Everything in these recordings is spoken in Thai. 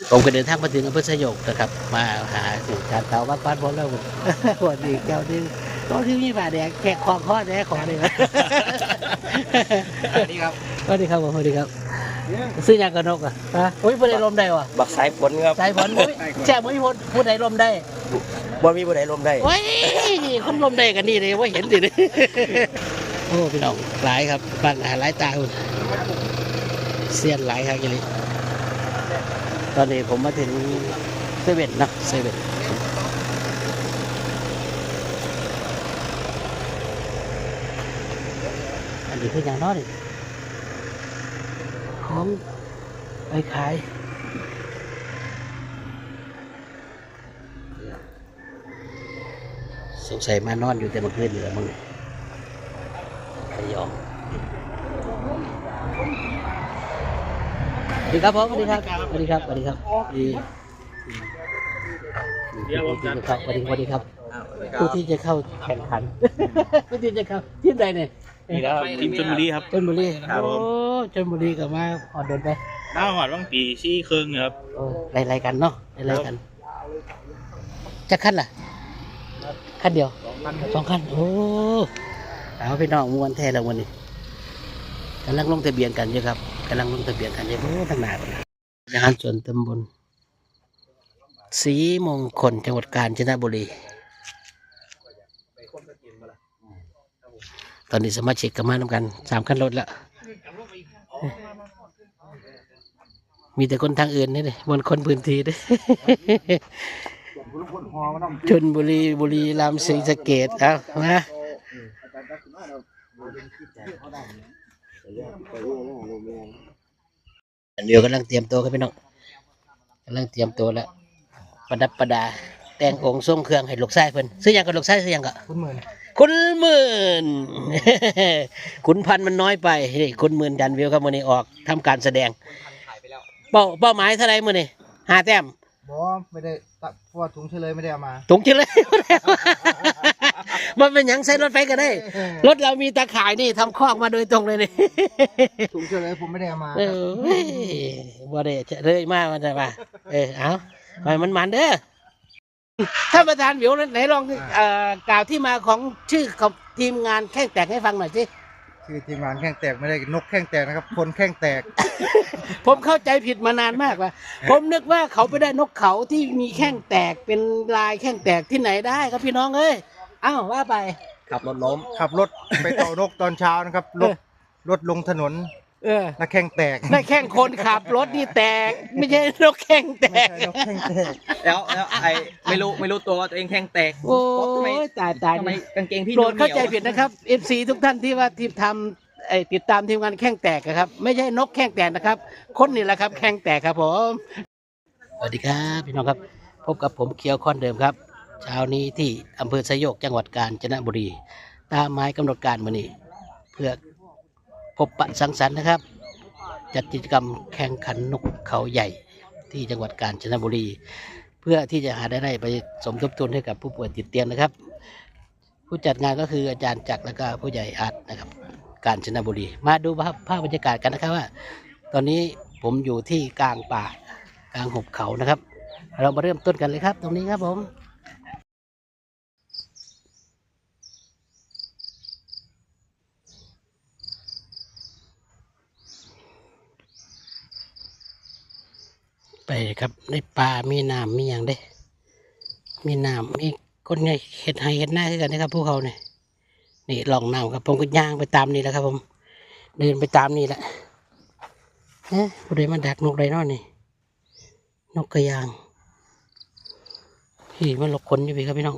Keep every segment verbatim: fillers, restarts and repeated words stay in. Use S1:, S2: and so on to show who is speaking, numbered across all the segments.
S1: ผมก็เดินทางมาถึงอำเภอสยกนะครับมาหาสู่การเตาบ้านบ้านพลแล้วสวัสดีเจ้าที่ตอนที่มีบาดแดงแขกคอข้อแดงขอเลยสวัสดีครับสวัสดีครับผมสวัสดีครับซื้อยางกระนกอ่ะฮะโอ้ยผู้ใดลมได้วะ
S2: บักสายฝนครับ
S1: สายฝนแช่ไม่พูดผู้ใดลมได้
S2: บ่มีผู้ใดลมได้
S1: โอ้ยคนลมได้กันนี่เลยว่าเห็นดิโอ้พี่น้องหลายครับบ้านหลายตาคุณเสียนหลายครับยี่ลิตอนนี้ผมมาถึงเซเว่นนะเซเว่นอันนี้คืออย่างน้อยของไปขายสงสัยมานอนอยู่แต่เมื่อคืนเหลือมึงขยองสวัสดีครับผมสวัสดีครับสวัสดีครับสวัสดีครับดีครับสวัสดีสวัสดีครับผู้ที่จะเข้าแข่งขันผู้ที่จะเข้าทีมใดเนี่ย
S2: นี่ครับทีมชลบุรีครับ
S1: ชลบุรีโอ้ชลบุรีกับมาอ่อนโดนไป
S2: น้าหอดว่างปีชี้เครื่องครับ
S1: โอ้ไล่ๆกันเนาะไล่ๆกันจะขั้นล่ะขั้นเดียวสองขั้นโอ้เอาไปน้องมวนแท้แล้ววันนี้กำลังลงทะเบียนกันเยอะครับกำลังลงทะเบียนกันเยอะโอ้ตั้งนานแล้วงานสวนตำบลศรีมงคลจังหวัดกาญจนบุรีตอนนี้สมาชิกกันมาทำกันสามขั้นรถแล้วมีแต่คนทางอื่นนี่เลยบนคนพื้นที่ด้วยชลบุรีบุรีรัมย์ศรีสะเกษเอามาเดี๋ยวกำลังเตรียมตัวกันพี่น้องกำลังเตรียมตัวแล้วประดับประดาแต่งองค์ทรงเครื่องให้ลูกชายเพิ่นซื้อยังกับลูกชายซื้อยังกับคุณหมื่นคุณหมื่นขุนพันมันน้อยไปนี่คุณหมื่นดันวิวครับวันนี้ออกทำการแสดงเป้าเป้าหมายเท่าไรมื่อนี้ห้าแต้ม
S3: บอไม่ได้เพราะว่าถุงเฉลยไม่ได้เอามา
S1: ถุงเฉลยมันเป็นอย่างใช้รถไฟก็ได้รถเรามีตาข่ายนี่ทำคอกมาโดยตรงเลยนี่
S3: ถุงเฉลยผมไม่ได้เอามา
S1: เออบ่ได้เฉลยมากมันจะมาเออเอาไปมันมันเด้อท่านประธานวิวไหนลองกล่าวที่มาของชื่อของทีมงานแข้งแตกให้ฟังหน่อยสิ
S3: ชื่อทีมงานแข้งแตกไม่ได้นกแข้งแตกนะครับคนแข้งแตก
S1: ผมเข้าใจผิดมานานมากว่าผมนึกว่าเขาไปได้นกเขาที่มีแข้งแตกเป็นลายแข้งแตกที่ไหนได้ครับพี่น้องเอ้ยอ้าวว่าไป
S2: ขับรถล้ม
S3: ขับรถไปต่อนกตอนเช้านะครับรถรถลงถนน
S1: เออ
S3: นักแข้งแตก
S1: นักแข้งคนขับรถนี่แตกไม่ใช่นกแข้งแตก
S3: นกแข้งแตก
S2: แล้วแล้วไอ้ไม่รู้ไม่รู้ตัวว่าตัวเองแข้งแตก
S1: โอ้ยตายตาย
S2: ทำไมกางเกงพี่
S1: โปรดเข้าใจผิดนะครับ เอฟ ซี ทุกท่านที่ว่าทีมทำไอ้ติดตามทีมงานแข้งแตกครับไม่ใช่นกแข้งแตกนะครับคนนี่แหละครับแข้งแตกครับผมสวัสดีครับพี่น้องครับพบกับผมเคียวคอนเดิมครับเช้านี้ที่อำเภอสยกจังหวัดกาญจนบุรีตามหมายกำหนดการมื้อนี้เพื่อพบปะสังสรรค์นะครับจัดกิจกรรมแข่งขันนกเขาใหญ่ที่จังหวัดกาญจนบุรีเพื่อที่จะหาได้ได้ไปสมทบทุนให้กับผู้ป่วยติดเตียงนะครับผู้จัดงานก็คืออาจารย์จักรและก็ผู้ใหญ่อาร์ตนะครับกาญจนบุรีมาดูภาพภาพบรรยากาศกันนะครับว่าตอนนี้ผมอยู่ที่กลางป่ากลางหุบเขานะครับเรามาเริ่มต้นกันเลยครับตรงนี้ครับผมไปครับในป่ามีน้ำมีอย่างเด้มีน้ำมีก้นไงเห็ดไห่เห็ดหน้าขึ้นกันนะครับพวกเขาเนี่ยนี่ลองน้ำครับผมก็ย่างไปตามนี่แหละครับผมเดินไปตามนี่แหละเอ๊ะผู้ใดมาดักนกไดโนนี่นกกระยางพี่มันหลบคนอยู่พี่ครับพี่น้อง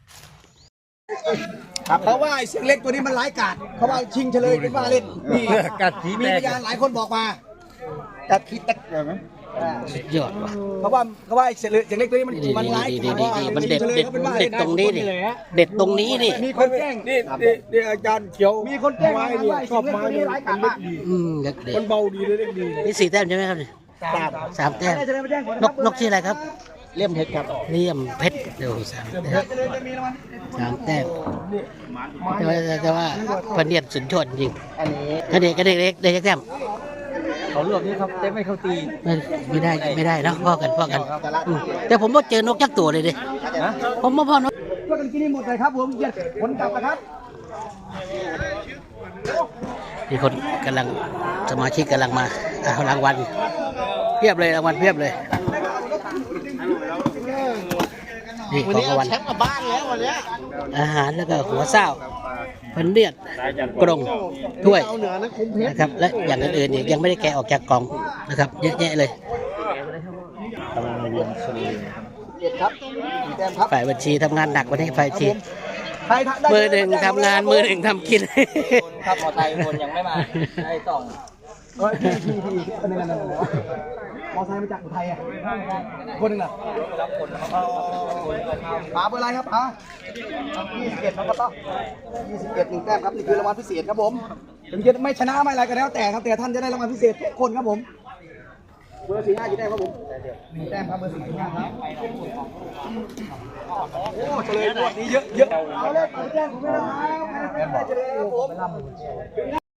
S3: เพราะว่าไอ้เสียงเล็กตัวนี้มันร้ายกาจเขาว่าชิงเฉลยเป็นว่าเล่นนี่กัดขี้แตกมีพยานหลายคนบอกมากัดขี้แตกเหรอ
S1: สุดยอดว่ะ
S3: เขาว่าเขาว่าไอ้เสียงเล็กตัวนี้มันมันร้ายกาจ
S1: มันเด็ดเด็ดเด็ดตรงนี้นี่เด็ดตรงนี้นี่
S3: มีคนแกล้ง
S4: นี่นี่อาจารย์เขียว
S3: มีคนแกล้ง
S4: ไม้เนี่ยชอบไม้เนี่ยมันเล็กดี
S1: อืมเล็กดี
S4: มันเบาดีเลยเล็กดี
S1: นี่สี่แต้มใช่ไหมครับนี่สามแต้มนกนกชื่ออะไรครับ
S3: เลี่ยมเพชรครับ
S1: เลี่ยมเพชรเดี๋ยวสามแต้มสามแต้มแต่ว่าแต่ว่าพันเนียดสุดยอดจริงอันนี้เด็กเด็กเด็กเด็กแต้ม
S3: เ
S2: เขารวบนี่ครับแต่ไม่เข้าตี
S1: ไม่ไม่ได้ไม่ได้นะพ่อกันพ่อกันอืมแต่ผมว่าเจอนกยักษ์ตัวเลยดิผมว่าพ่อนก
S3: ช่วยกันกินให้หมดเลยครับผมเหยียดผลกลับนะครับ
S1: มีคนกำลังสมาชิกกำลังมาเอารางวัลเพียบเลยรางวัลเพียบเลยนี่ของรางวัลแชมป์กับบ้านแล้ววันนี้อาหารแล้วก็หัวเศร้าพันเลียดกรงถ้วยนะครับและอย่างอื่นๆอีกยังไม่ได้แกะออกจากกล่องนะครับเยอะแยะเลย
S3: เจ็ดครับสี่แต้มครับ
S1: ฝ่ายบัญชีทำงานหนักวันนี้ฝ่ายบัญชี
S3: ใครได้
S1: มือหนึ่งทำงานมือหนึ่งทำกิน
S2: ครับมอไซค์คนยังไม่มาได้สอง
S3: เฮ้ยพี่พี่พี่คนนึงนั่นๆมอไซค์มาจากอุทัยอ่ะคนหนึงอ่ะ
S2: รับคนนะครับ
S3: ป๋าเบอร์อะไรครับป๋ายี่สิบเอ็ดครับป๋ายี่สิบเอ็ดหนึ่งแต้มครับนี่คือรางวัลพิเศษครับผมถึงจะไม่ชนะไม่อะไรก็แล้วแต่ครับแต่ท่านจะได้รางวัลพิเศษทุกคนครับผมเบอร์สี่ห้ากี่แต้มครับผมหนึ่งแต้มครับเบอร์สี่ห้าครับโอ้เฉลยหมดนี้เยอะเยอะเอาเลยไปแจ้งผมไม่ได้ครับแต้มบอกเฉลยครับผม